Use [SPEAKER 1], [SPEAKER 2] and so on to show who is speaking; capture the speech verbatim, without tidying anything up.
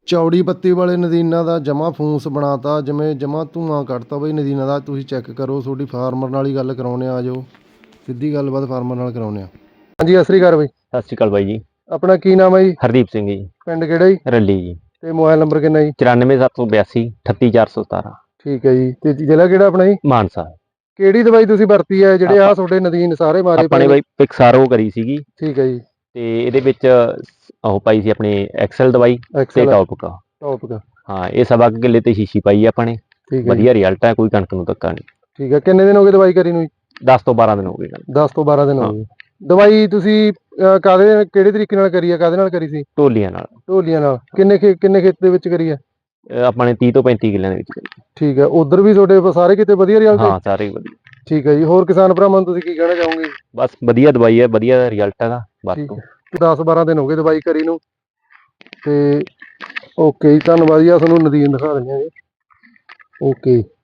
[SPEAKER 1] ਚੌੜੀ ਪੱਤੀ ਵਾਲੇ ਨਦੀਨਾਂ ਦਾ ਜਮਾ ਫੂਸ ਬਣਾਤਾ, ਜਿਵੇਂ ਜਮਾ ਧੂਆਂ ਕੱਢਤਾ ਬਈ ਨਦੀਨਾਂ ਦਾ। ਤੁਸੀਂ ਚੈੱਕ ਕਰੋ, ਤੁਹਾਡੀ ਫਾਰਮਰ ਨਾਲ ਹੀ ਗੱਲ ਕਰਾਉਂਦੇ ਆ, ਆਜੋ ਸਿੱਧੀ ਗੱਲਬਾਤ ਫਾਰਮਰ ਨਾਲ ਕਰਾਉਂਦੇ ਆ। ਹਾਂਜੀ, ਸਤਿ ਸ੍ਰੀ ਅਕਾਲ ਬਾਈ।
[SPEAKER 2] ਸਤਿ ਸ਼੍ਰੀ ਅਕਾਲ ਬਾਈ ਜੀ।
[SPEAKER 1] ਆਪਣਾ ਕੀ ਨਾਮ ਹੈ ਜੀ?
[SPEAKER 2] ਹਰਦੀਪ ਸਿੰਘ ਜੀ।
[SPEAKER 1] ਪਿੰਡ ਕਿਹੜਾ ਜੀ?
[SPEAKER 2] ਰੱਲੀ ਜੀ।
[SPEAKER 1] ਤੇ ਮੋਬਾਈਲ ਨੰਬਰ ਕਿੰਨਾ ਜੀ?
[SPEAKER 2] ਚੁਰਾਨਵੇਂ ਸੱਤ ਸੌ ਬਿਆਸੀ ਅਠੱਤੀ ਚਾਰ ਸੌ ਸਤਾਰਾਂ।
[SPEAKER 1] ਠੀਕ ਹੈ ਜੀ। ਤੇ ਜ਼ਿਲ੍ਹਾ ਕਿਹੜਾ ਆਪਣਾ ਜੀ?
[SPEAKER 2] ਮਾਨਸਾ।
[SPEAKER 1] ਕਿਹੜੀ ਦਵਾਈ ਤੁਸੀਂ ਵਰਤੀ ਹੈ ਜਿਹੜੇ ਆ ਤੁਹਾਡੇ ਨਦੀਨ ਸਾਰੇ ਮਾਰੇ
[SPEAKER 2] ਆਪਾਂ
[SPEAKER 1] ਪਏ
[SPEAKER 2] ਨੇ
[SPEAKER 1] ਨੇ?
[SPEAKER 2] ਬਾਈ ਪਿਕਸਾਰੋ ਕਰੀ ਸੀਗੀ।
[SPEAKER 1] ਠੀਕ ਹੈ ਜੀ।
[SPEAKER 2] ਤੇ ਇਹਦੇ ਵਿੱਚ ਉਹ ਪਾਈ ਸੀ ਆਪਣੀ ਐਕਸਲ ਦਵਾਈ ਤੇ
[SPEAKER 1] ਐਕਸਲ
[SPEAKER 2] ਟੌਪਿਕ।
[SPEAKER 1] ਟੌਪਿਕ
[SPEAKER 2] ਹਾਂ, ਇਹ ਸਵਾ ਕੁ ਕਿੱਲੇ ਤੇ ਸ਼ੀਸ਼ੀ ਪਾਈ ਆ ਆਪਾਂ ਨੇ।
[SPEAKER 1] ਠੀਕ ਹੈ ਜੀ।
[SPEAKER 2] ਵਧੀਆ ਰਿਜ਼ਲਟ ਹੈ, ਕੋਈ ਕਣਕ ਨੂੰ ਧੱਕਾ ਨਹੀਂ।
[SPEAKER 1] ਠੀਕ ਹੈ। ਕਿੰਨੇ ਦਿਨ ਹੋ ਗਏ ਦਵਾਈ ਕਰੀ ਨੂੰ ਜੀ?
[SPEAKER 2] ਦਸ ਤੋਂ ਬਾਰਾਂ ਦਿਨ ਹੋ ਗਏ।
[SPEAKER 1] ਦਸ ਤੋਂ ਬਾਰਾਂ ਦਿਨ ਹੋ
[SPEAKER 2] ਹਾਂ।
[SPEAKER 1] ਗਏ। ਦਵਾਈ ਤੁਸੀਂ ਅਹ, ਕਾਹਦੇ ਕਿਹੜੇ ਤਰੀਕੇ ਨਾਲ ਕਰੀ ਹੈ? ਕਾਹਦੇ ਨਾਲ ਕਰੀ ਸੀ?
[SPEAKER 2] ਢੋਲੀਆਂ ਨਾਲ।
[SPEAKER 1] ਢੋਲੀਆਂ ਨਾਲ। ਕਿੰਨੇ ਖੇ ਕਿੰਨੇ ਖੇਤ ਦੇ ਵਿੱਚ ਕਰੀ ਹੈ?
[SPEAKER 2] ਇਹ ਆਪਾਂ ਨੇ ਤੀਹ ਤੋਂ ਪੈਂਤੀ ਕਿੱਲਿਆਂ ਦੇ ਵਿੱਚ ਕਰੀ।
[SPEAKER 1] ਠੀਕ ਹੈ। ਉਧਰ ਵੀ ਤੁਹਾਡੇ ਸਾਰੇ ਕਿਤੇ ਵਧੀਆ ਰਿਜ਼ਲਟ ਹੈ?
[SPEAKER 2] ਹਾਂ, ਸਾਰੇ ਵਧੀਆ।
[SPEAKER 1] ਠੀਕ ਹੈ ਜੀ। ਹੋਰ ਕਿਸਾਨ ਭਰਾਵਾਂ ਨੂੰ ਤੁਸੀਂ ਕੀ ਕਹਿਣਾ ਚਾਹੋਗੇ?
[SPEAKER 2] ਬਸ ਵਧੀਆ ਦਵਾਈ ਹੈ, ਵਧੀਆ ਰਿਜ਼ਲਟ ਹੈਗਾ।
[SPEAKER 1] ਠੀਕ ਹੈ। ਦਸ ਬਾਰਾਂ ਦਿਨ ਹੋ ਗਏ ਦਵਾਈ ਕਰੀ ਨੂੰ। ਤੇ ਓਕੇ ਜੀ, ਧੰਨਵਾਦ ਜੀ। ਆ ਤੁਹਾਨੂੰ ਨਦੀਨ ਦਿਖਾ ਦਿੰਦੇ ਹਾਂ ਜੀ। ਓਕੇ।